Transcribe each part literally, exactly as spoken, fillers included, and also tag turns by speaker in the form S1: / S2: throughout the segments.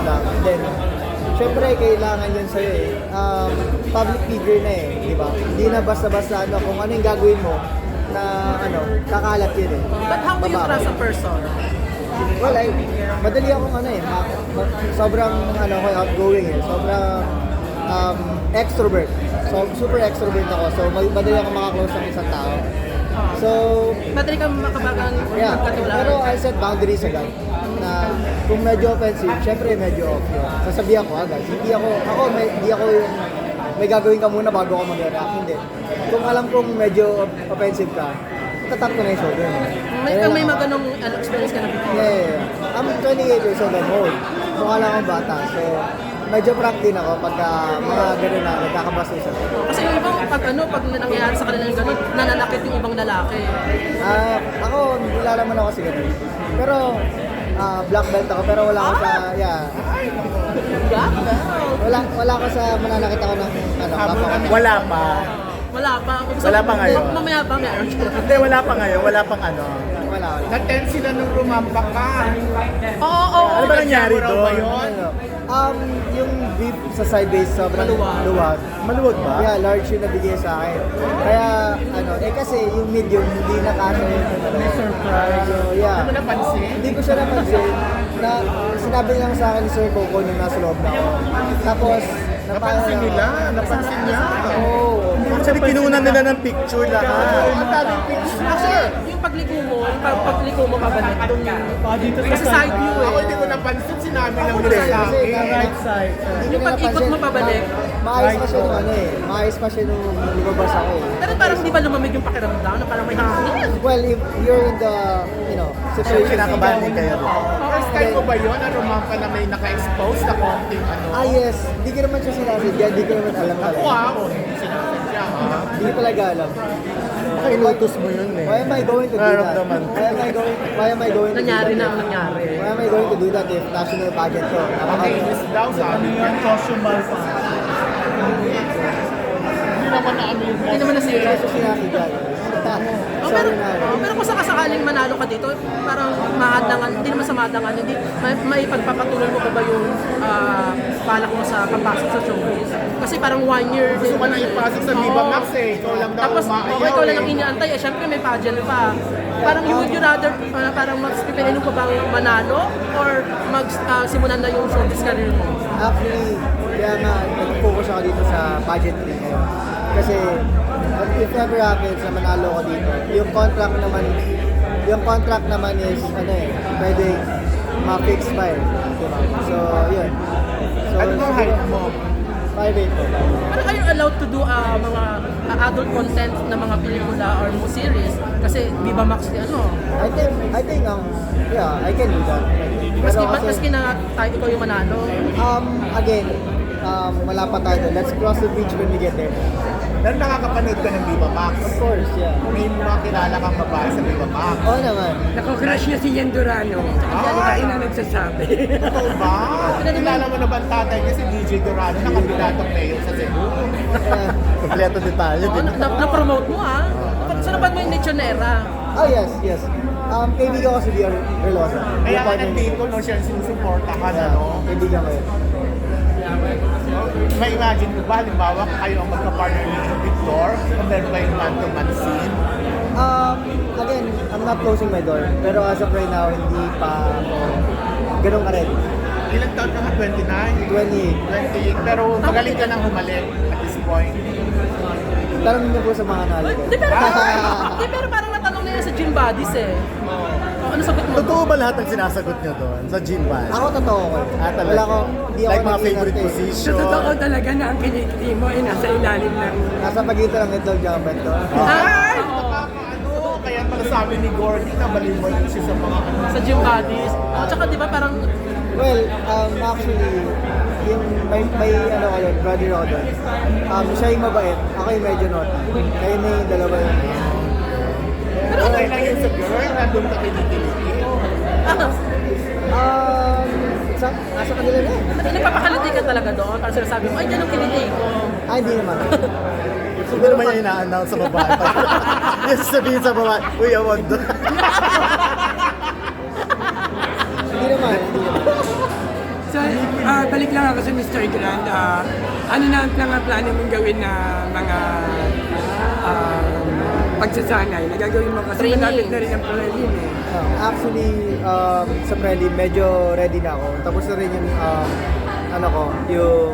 S1: lang. And then, syempre, kailangan yun sa'yo eh. Um, public figure na eh, di ba? Hindi na basta-basta ano, kung ano yung gagawin mo na ano, kakalat yun eh.
S2: But how do you
S1: Babae.
S2: trust a person?
S1: Well, I, madali akong ano eh, ma- ma- sobrang ano ko, outgoing eh, sobrang um, extrovert. So, super extrovert ako, so ma- madali akong makaklose ng isang tao. So,
S2: Madali kang makabagang
S1: yeah,
S2: magkatulad.
S1: pero I set boundaries agad na kung medyo offensive, syempre medyo off yun. Sasabihan ko agad, hindi ako, ako, may, hindi ako yung may gagawin ka muna bago ako mag-react, hindi. Kung alam kong medyo offensive ka, tatap ko na yung shoulder mo.
S2: May,
S1: Ganun
S2: may
S1: lang
S2: mga
S1: ako.
S2: ganong ano, experience ka na before.
S1: Yeah, yeah, yeah. I'm twenty-eight years old, I'm old. Mukha lang akong bata. So, medyo prank din ako pagka mga gano'n na nagkakabastusan.
S2: Kasi yung ibang pag ano, pag nangyayari sa kanila yung gano'n, nananakit yung ibang lalaki.
S1: Ah, ako, wala naman ako kasi gano'n. Pero, ah, black belt ako, pero wala ako sa, yeah.
S2: Black belt?
S1: Wala, wala ako sa mananakit ako ng, ano, kapwa ko.
S3: Wala pa.
S2: Wala pa. Kung
S3: Wala pa ngayon.
S2: Mamaya pa meron.
S3: Hindi, wala pa ngayon. Wala pang ano.
S1: Wala, wala.
S4: Na-tense sila nung rumampak ka.
S2: Oo, oo.
S3: Ano ba nangyari
S4: Raw ba
S3: doon?
S4: yun?
S1: Ano, um, yung beef sa side base sobrang
S2: Maluwag.
S1: luwag.
S3: Maluwag ba?
S1: Yeah, large yung nabigay sa akin. Kaya, ano, eh kasi yung medium, hindi na kasha yung ano.
S3: surprise.
S1: So, yeah.
S4: Ano mo napansin?
S1: Hindi ko siya napansin na sinabi lang sa akin ni Sir Coco nung nasa loob na ako. Tapos,
S4: Napansin nila, napansin niya.
S1: Oo.
S3: Actually, kinunan nila ng picture lahat.
S4: Ang daming picture.
S2: Actually, yung pagliko mo, yung pag pagliko mo pabalik, doon kasi side view eh.
S4: Ako hindi ko napansin, sinabi lang
S1: Hindi,
S4: nila sa
S1: kasi
S4: akin.
S1: right side.
S2: Yung pag-ikot mo pabalik.
S1: Maayos pa siya nung ano eh. Maayos pa siya nung lumabas ako eh.
S2: Pero parang di ba lumamig yung pakiramdam na parang may hangin?
S1: Well, if you're in the, you know,
S3: So,
S1: situation.
S3: kinakabahan din kayo doon.
S4: First time mo ba yun? Na rumampa na may naka-expose na konting ano?
S1: Ah, yes. Hindi ko naman siya sinasadya. Hindi ko naman alam talaga.
S4: Wow, hindi sinasadya ha.
S1: Hindi ko talaga alam.
S3: Baka inutos mo yun eh.
S1: Why am I going to do that?
S3: Nararamdaman.
S1: Why am I going, why am I going to
S2: Nangyari
S1: do
S2: na
S1: that?
S2: ang nangyari.
S1: Why am I going to do that if national pageant to?
S4: Nakainis daw sabi niya. Hindi naman na ano yung
S2: Hindi naman
S1: Hindi
S2: nasira.
S1: ko siya sinasadya.
S2: Oh, pero,
S1: Sorry na.
S2: oh, pero kung sakasakaling manalo ka dito, parang mahadangan, hindi naman sa mahadangan, hindi, may, may pagpapatuloy mo pa ba yung uh, balak mo sa pagpasok sa showbiz? Kasi parang one year
S4: Gusto ko na ipasok sa Viva
S2: Oo.
S4: Max eh. Ikaw lang daw
S2: Tapos,
S4: umaayaw
S2: oh, ikaw lang
S4: eh.
S2: ang iniantay, eh, syempre may pageant pa. Parang you would you rather, uh, parang mas pipiliin mo pa bang manalo or mag, uh, simulan na yung showbiz career mo?
S1: Actually, kaya nga, nag-focus ako dito sa pageantry ngayon. Kasi, if ever happens na manalo ko dito, yung contract naman, yung contract naman is, ano eh, pwede ma-fix pa eh. Diba? So, yun. So,
S4: Ano bang height mo?
S1: five eight po.
S2: Parang are you allowed to do uh, mga uh, adult content na mga pelikula or mo series? Kasi Viva Max di ano.
S1: I think, I think, um, yeah, I can do that.
S2: Maski,
S1: Pero kasi-
S2: maski na tayo ikaw yung manalo.
S1: Um, again, um, wala pa tayo doon. Let's cross the bridge when we get there.
S4: Pero nakakapanood ka ng Viva Max.
S1: Of course, yeah.
S4: May mga kilala kang babae sa Viva Max.
S1: Oo naman.
S5: Nako-crush niya si Yan Durano.
S4: Ay!
S5: Ay na nagsasabi.
S4: Totoo ba? Kilala mo na ba ang tatay niya si D J Dorado na kandidatong mayor sa Cebu?
S1: Yeah.
S3: Kompleto detalye
S2: Oo,
S3: din.
S2: na, na, na-promote mo ah. Sa napad mo yung Lechonera.
S1: Oh, yes, yes. Um, kaibigan ko si Bia Relosa.
S4: Kaya ka nandito, no, siya ang sinusuportahan,
S1: Yeah,
S4: ano?
S1: kaibigan ko yun.
S4: May imagine mo ba, halimbawa, kayo ang magka-partner ni Victor, kung meron ba yung man-to-man scene?
S1: Um, again, I'm not closing my door. Pero as of right now, hindi pa ako ganun ka rin.
S4: Ilang taon ka nga? twenty-nine?
S1: twenty-eight.
S4: twenty-eight. Pero magaling ka nang humalik at this point.
S1: Tanong niyo po sa mga nalito.
S2: Di pero, di pero parang natanong na yan sa gym bodies eh. Oh, ano sagot mo?
S3: Totoo ba lahat ng sinasagot niyo doon sa gym ba?
S1: Ako totoo ko.
S3: Ah, talaga?
S1: Wala ko, hindi ako
S3: Like mga
S1: nag-ingat
S3: favorite
S1: eh.
S3: position?
S5: So, totoo talaga na ang kinikiti mo ay nasa ilalim ng...
S1: Nasa pagitan ng itlog jacket ko.
S4: Ay!
S2: Oo.
S4: Ano? Kaya pala sabi ni Gordy na balimbalik siya sa mga ano.
S2: Sa gym bodies. O, tsaka di ba parang,
S1: Well, um, actually, yung may, may ano ko yun, brother ako doon. Um, siya yung mabait, ako yung medyo naughty. Kayo na yung dalawa yun.
S4: Okay lang yun sa girl, nandun ka kinikilig.
S2: ano,
S1: Um, sa, nasa kanila na eh.
S2: nagpapakaliti ka talaga doon. Parang sinasabi mo, ay, dyan ang kiniti ko.
S1: Ah, hindi naman.
S3: Siguro may ina-announce sa babae. Yes, sabihin sa babae, uy, awag doon.
S1: Hindi naman, hindi naman.
S5: So, ah, balik lang ako sa mister Grand. Ah, ano na ang mga plano mong gawin na mga ah, pagsasanay? Nagagawin mo kasi
S2: Training.
S5: malapit na rin ang prelim eh.
S1: Um, actually, um, sa prelim, medyo ready na ako. Tapos na rin yung, um, ano ko, yung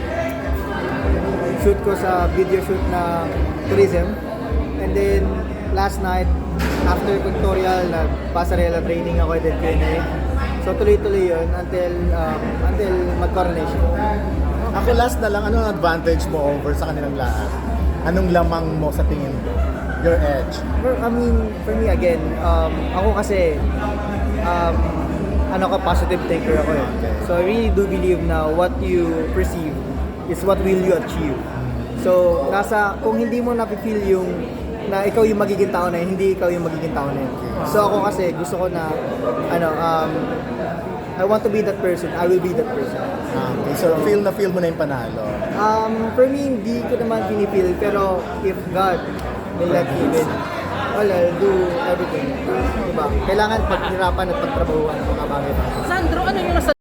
S1: shoot ko sa video shoot na tourism. And then, last night, after tutorial, nag-pasarela training ako at Q and A. So, tuloy-tuloy yun until, um, until mag-coronation.
S3: Ako last na lang, anong advantage mo over sa kanilang lahat? Anong lamang mo sa tingin mo? Your edge?
S1: For, I mean, for me again, um, ako kasi, um, ano ko, positive thinker ako eh. So I really do believe na what you perceive is what will you achieve. So, nasa, kung hindi mo napipil yung, na ikaw yung magiging tao na yun, hindi ikaw yung magiging tao na yun. So ako kasi, gusto ko na, ano, um, I want to be that person, I will be that person.
S3: Ah, okay, so feel na feel mo na yung panalo.
S1: Um, for me, hindi ko naman pinipil, pero if God will let me win, well, I'll do everything. Diba? Kailangan paghirapan at pagtrabahuan ang mga bagay.
S2: Sandro, ano yung nasa